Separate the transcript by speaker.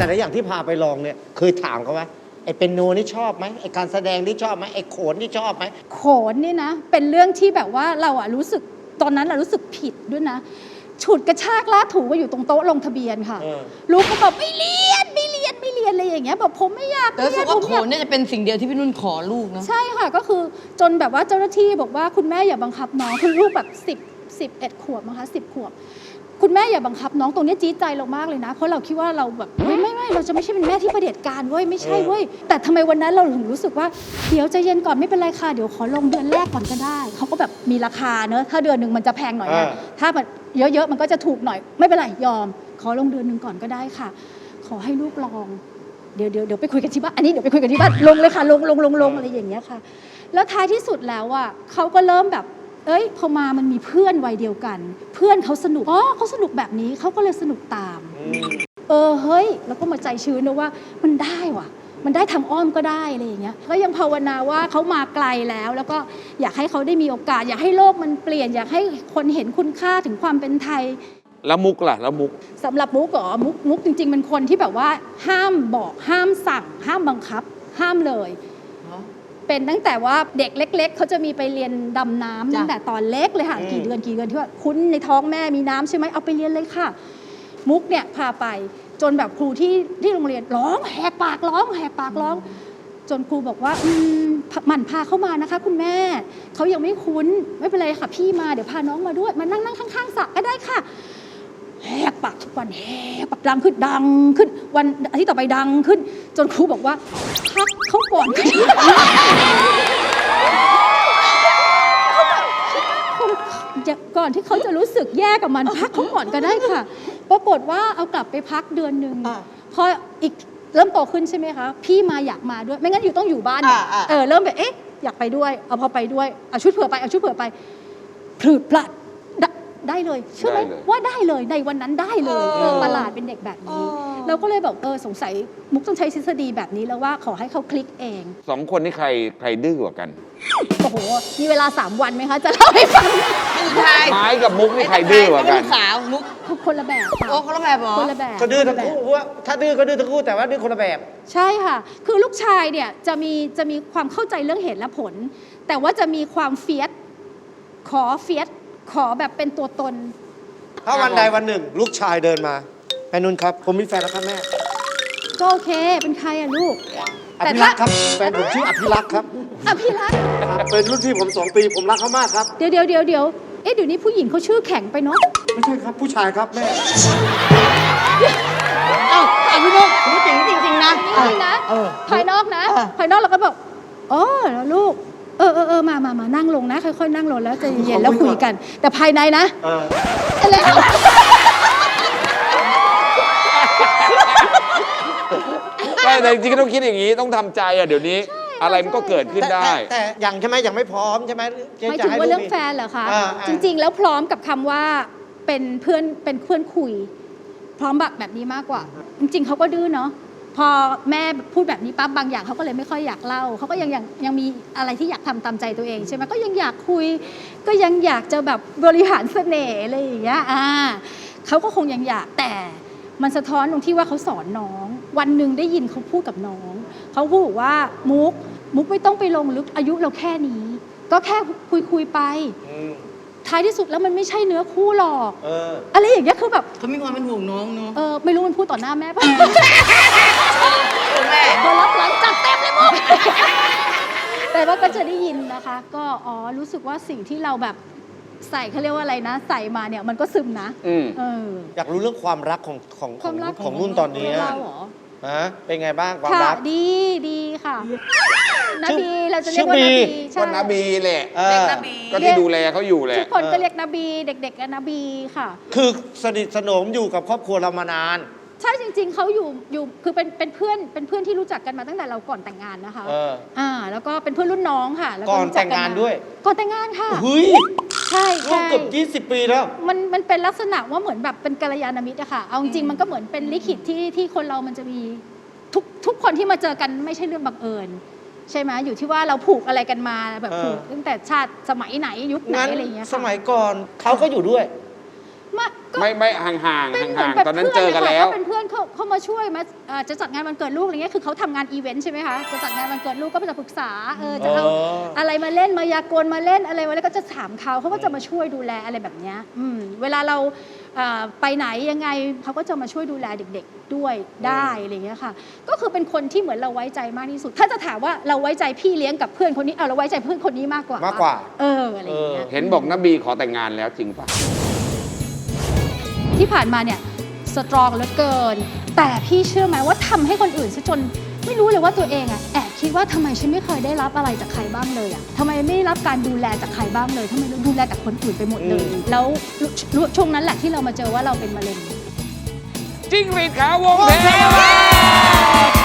Speaker 1: แต่ละอย่างที่พาไปลองเนี่ยเคยถามเขาไหมไอ้เปียโนนี่ชอบไหมไอ้การแสดงนี่ชอบไหมไอ้โขนนี่ชอบไหม
Speaker 2: โขนนี่นะเป็นเรื่องที่แบบว่าเราอะรู้สึกตอนนั้นเรารู้สึกผิดด้วยนะฉุดกระชากลากถูมาอยู่ตรงโต๊ะลงทะเบียนค่ะลูกก็บอกไม่เรียนอะไรอย่างเงี้ยแบบผมไม่อยาก
Speaker 3: แต่รู้สึกว่าโขนเนี่ยจะเป็นสิ่งเดียวที่พี่นุ่นขอลูกนะ
Speaker 2: ใช่ค่ะก็คือจนแบบว่าเจ้าหน้าที่บอกว่าคุณแม่อย่าบังคับน้องคือลูกแบบ11 ขวบนะคะ10 ขวบคุณแม่อย่าบังคับน้องตรงนี้จี๊ดใจเรามากเลยนะเพราะเราคิดว่าเราแบบไม่เราจะไม่ใช่เป็นแม่ที่เผด็จการเว้ยไม่ใช่เว้ยแต่ทำไมวันนั้นเราถึงรู้สึกว่าเดี๋ยวใจเย็นก่อนไม่เป็นไรค่ะเดี๋ยวขอลงเดือนแรกก่อนก็ได้เขาก็แบบมีราคาเนอะถ้าเดือนหนึ่งมันจะแพงหน่อยนะถ้าแบบเยอะๆมันก็จะถูกหน่อยไม่เป็นไรยอมขอลงเดือนหนึ่งก่อนก็ได้ค่ะขอให้ลูกลองเดี๋ยวไปคุยกันที่บ้านอันนี้เดี๋ยวไปคุยกันที่บ้านลงเลยค่ะลงอะไรอย่างเงี้ยค่ะแล้วท้ายที่สุดแล้วอ่ะเขาก็เริ่มแบบพอมามันมีเพื่อนวัยเดียวกันเพื่อนเขาสนุกเขาสนุกแบบนี้เขาก็เลยสนุกตามเฮ้ยแล้วก็มาใจชื้นนะว่ามันได้ว่ะมันได้ทางอ้อมก็ได้อะไรอย่างเงี้ยก็ยังภาวนาว่าเขามาไกลแล้วก็อยากให้เขาได้มีโอกาสอยากให้โลกมันเปลี่ยนอยากให้คนเห็นคุณค่าถึงความเป็นไทย
Speaker 4: แล้วมุกล่ะแล้วมุก
Speaker 2: สำหรับมุกเหรอมุกจริงๆเป็นคนที่แบบว่าห้ามบอกห้ามสั่งห้ามบังคับห้ามเลยเป็นตั้งแต่ว่าเด็กเล็กๆเขาจะมีไปเรียนดำน้ำตั้งแต่ตอนเล็กเลยค่ะกี่เดือนที่ว่าคุ้นในท้องแม่มีน้ำใช่ไหมเอาไปเรียนเลยค่ะมุกเนี่ยพาไปจนแบบครูที่โรงเรียนร้องแหกปากร้องจนครูบอกว่าหมั่นพาเข้ามานะคะคุณแม่เขายังไม่คุ้นไม่เป็นไรค่ะพี่มาเดี๋ยวพาน้องมาด้วยมานั่งข้างๆสระก็ได้ค่ะแหกปากทุกวันแหกปากดังขึ้นวันอาทิตย์ต่อไปดังขึ้นจนครูบอกว่าพักเขาก่อนก่อนที่เขาจะรู้สึกแย่กับมันพักเขาก่อนก็ได้ค่ะปรากฏว่าเอากลับไปพักเดือนนึงพออีกเริ่มโตขึ้นใช่ไหมคะพี่มาอยากมาด้วยไม่งั้นต้องอยู่บ้านเริ่มแบบอยากไปด้วยเอาพอไปด้วยเอาชุดเผื่อไปพลืดพลัดได้เลยเชื่อไหมว่าได้เลยในวันนั้นได้เลยประหลาดเป็นเด็กแบบนี้เราก็เลยแบบสงสัยมุกต้องใช้ทฤษฎีแบบนี้แล้วว่าขอให้เขาคลิกเอง
Speaker 4: 2 คนนี่ใครดื้อกว่ากัน
Speaker 2: โอ้โหมีเวลา3 วันไหมคะจะเล่าให้ฟัง
Speaker 4: ไม้กับมุกนี่ใครดื้อกว่ากัน
Speaker 3: สาวมุก
Speaker 2: คนละแบบค่ะ
Speaker 3: คนละแบบเหรอ
Speaker 2: คนละแบบ
Speaker 1: ก็ดื้อทั้งคู่ว่าถ้าดื้อก็ดื้อทั้งคู่แต่ว่าดื้อคนละแบบ
Speaker 2: ใช่ค่ะคือลูกชายเนี่ยจะมีความเข้าใจเรื่องเหตุและผลแต่ว่าจะมีความเฟียสขอแบบเป็นตัวตน
Speaker 1: ถ้าวันใดวันหนึ่งลูกชายเดินมาแม่นุ่นครับผมมีแฟนแล้วครับแม่
Speaker 2: ก็โอเคเป็นใครอะลูก
Speaker 1: อภิรักษ์ครับแฟนผมชื่ออภิรักษ์ครับ
Speaker 2: อภิรักษ์
Speaker 1: เป็นรุ่นพี่ผม2 ปีผมรักเขามากครับ
Speaker 2: เดี๋ยวเดี๋ยวนี้ผู้หญิงเขาชื่อแข็งไปเนาะ
Speaker 1: ไม่ใช่ครับผู้ชายครับแม่
Speaker 3: พี่นุ๊กพูดจริงนะ
Speaker 2: ภายนอกนะภายนอกเราก็บอกแล้วลูกมานั่งลงนะค่อยๆนั่งลงแล้วใจเย็นๆแล้วคุยกันแต่ภายในนะอะไร
Speaker 4: แต่จริงๆต้องคิดอย่างนี้ต้องทำใจเดี๋ยวนี้อะไรมันก็เกิดขึ้นได้
Speaker 1: แต่ยังใช่ไหมยังไม่พร้อมใช่ไหม
Speaker 2: ไม่ถึงว่าเรื่องแฟนเหรอคะจริงๆแล้วพร้อมกับคำว่าเป็นเพื่อนคุยพร้อมแบบนี้มากกว่าจริงๆเขาก็ดื้อเนาะพอแม่พูดแบบนี้ปั๊บบางอย่างเขาก็เลยไม่ค่อยอยากเล่าเขาก็ยังมีอะไรที่อยากทำตามใจตัวเองใช่ไหมก็ยังอยากคุยก็ยังอยากจะแบบบริหารเสน่ห์อะไรอย่างเงี้ยเขาก็คงยังอยากแต่มันสะท้อนตรงที่ว่าเขาสอนน้องวันหนึ่งได้ยินเขาพูดกับน้องเขาพูดว่ามุกไม่ต้องไปลงลึกอายุเราแค่นี้ก็แค่คุยไปท้ายที่สุดแล้วมันไม่ใช่เนื้อคู่หรอกอะไรอย่างเงี้ยคือแบบ
Speaker 3: เขามีความเป็นห่วงน้องเนาะ
Speaker 2: ไม่รู้มันพูดต่อหน้าแม่ป่ะแม่พอรับหลังจัดเต็มเลยมุกแต่ว่าก็จะได้ยินนะคะก็รู้สึกว่าสิ่งที่เราแบบใส่เขาเรียกว่าอะไรนะใส่มาเนี่ยมันก็ซึมนะ
Speaker 1: อยากรู้เรื่องความรักของนุ่นตอนนี้
Speaker 2: เราเหรอ
Speaker 1: เป็นไงบ้างความรัก
Speaker 2: ดีค่ะนาบีเราจะเรียกว่านาบี
Speaker 4: ก็นาบีแหละก็ที่ดูแลเขาอยู่แหละ
Speaker 2: ทุกคนก็เรียกนาบีเด็กๆก็นาบีค่ะ
Speaker 1: คือสนิทสนมอยู่กับครอบครัวเรามานาน
Speaker 2: ใช่จริงๆเขาอยู่คือเป็นเพื่อนที่รู้จักกันมาตั้งแต่เราก่อนแต่งงานนะคะแล้วก็เป็นเพื่อนรุ่นน้องค่ะ
Speaker 1: ก่อนแต่งงานด้วย
Speaker 2: ก่อนแต่งงานค่ะ
Speaker 1: เฮ้ย
Speaker 2: ใช่
Speaker 1: เกือบ20 ปีแล้ว
Speaker 2: มันเป็นลักษณะว่าเหมือนแบบเป็นกัลยาณมิตรอะค่ะเอาจริงมันก็เหมือนเป็นลิขิตที่คนเรามันจะมีทุกคนที่มาเจอกันไม่ใช่เรื่องบังเอิญใช่ไหมอยู่ที่ว่าเราผูกอะไรกันมาแบบผูกตั้งแต่ชาติสมัยไหนยุคไหนอะไรอย่างเงี้ย
Speaker 1: สมัยก่อนเขาก็อยู่ด้วย
Speaker 4: ไม่ห่างตอนนั้นเจอกันแล้ว
Speaker 2: เป็นเพื่อนเขาเขามาช่วยมาจะจัดงานวันเกิดลูกอะไรเงี้ยคือเขาทำงานอีเวนต์ใช่ไหมคะจะจัดงานวันเกิดลูกก็จะปรึกษาจะเอาอะไรมาเล่นมายากลมาเล่นอะไรมาแล้วก็จะถามเขาก็จะมาช่วยดูแลอะไรแบบเนี้ยเวลาเราไปไหนยังไงเขาก็จะมาช่วยดูแลเด็กๆด้วยได้อะไรเงี้ยค่ะก็คือเป็นคนที่เหมือนเราไว้ใจมากที่สุดถ้าจะถามว่าเราไว้ใจพี่เลี้ยงกับเพื่อนคนนี้เราไว้ใจเพื่อนคนนี้มากกว่าอะไรอย่างเงี้ย
Speaker 4: เห็นบอกนบีขอแต่งงานแล้วจริงปะ
Speaker 2: ที่ผ่านมาเนี่ยสตรองเหลือเกินแต่พี่เชื่อไหมว่าทำให้คนอื่นซะจนไม่รู้เลยว่าตัวเองอะแอบคิดว่าทำไมฉันไม่เคยได้รับอะไรจากใครบ้างเลยอะทำไมไม่ได้รับการดูแลจากใครบ้างเลยทำไมดูแลแต่คนอื่นไปหมดเลยแล้วช่วงนั้นแหละที่เรามาเจอว่าเราเป็นมะเร็ง
Speaker 4: จิ้งหรีดขาววงเทวา